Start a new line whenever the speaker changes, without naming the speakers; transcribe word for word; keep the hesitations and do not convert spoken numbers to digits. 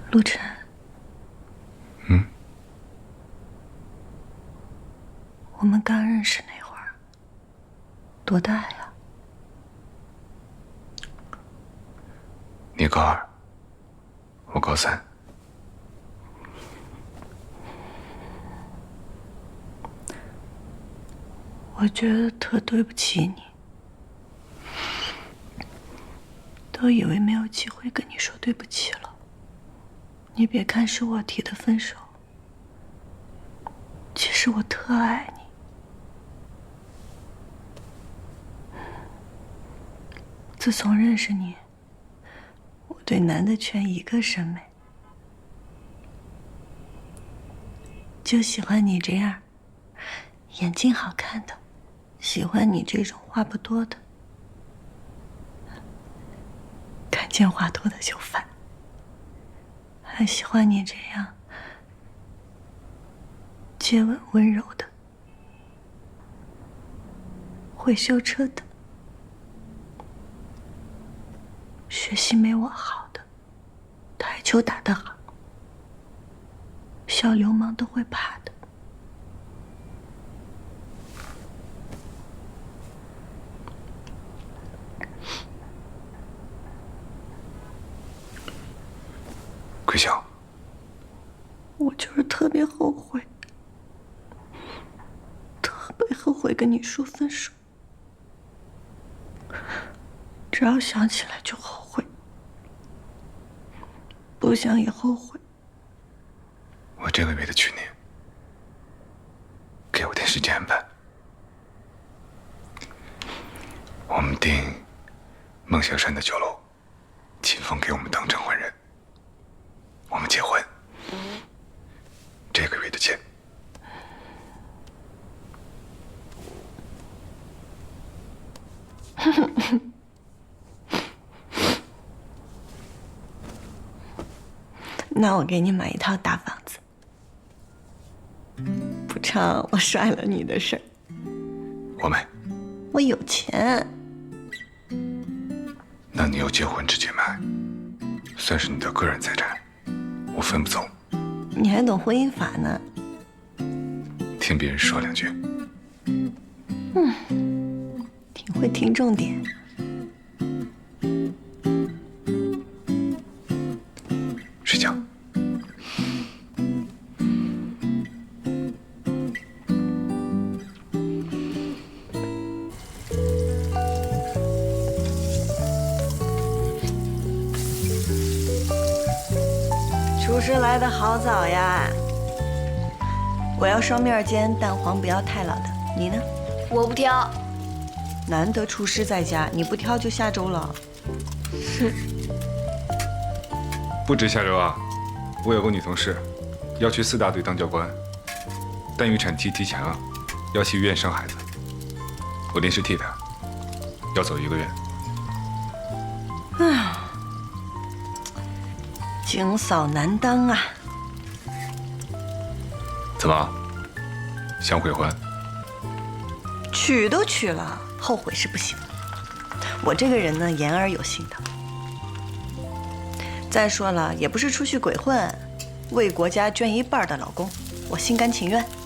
陆晨，
嗯，
我们刚认识那会儿，多大呀？
你高二，我高三。
我觉得特对不起你，都以为没有机会跟你说对不起了。你别看是我提的分手，其实我特爱你。自从认识你，我对男的全一个审美，就喜欢你这样，眼睛好看的，喜欢你这种话不多的，看见话多的就烦，还喜欢你这样接吻温柔的，会修车的，学习没我好的，台球打得好，小流氓都会怕的。
桂香，
我就是特别后悔，特别后悔跟你说分手，只要想起来就后悔，不想也后悔。
我这个月的去年，给我点时间安排。我们订梦香山的酒楼，秦风给我们当证婚人。我们结婚，这个月的钱。
那我给你买一套大房子，补偿我甩了你的事儿。
我没。
我有钱。
那你要结婚之前买，算是你的个人财产，我分不走。
你还懂婚姻法呢？
听别人说两句。
嗯，挺会听重点。
睡觉。
厨师来的好早呀！我要双面煎，蛋黄不要太老的。你呢？
我不挑。
难得厨师在家，你不挑就下周了。
哼。
不止下周啊，我有个女同事要去四大队当教官，但预产期提前了，要去医院生孩子，我临时替她，要走一个月。
唉，警嫂难当啊。
怎么，想悔婚？
娶都娶了，后悔是不行。我这个人呢，言而有信的。再说了，也不是出去鬼混，为国家捐一半的老公，我心甘情愿。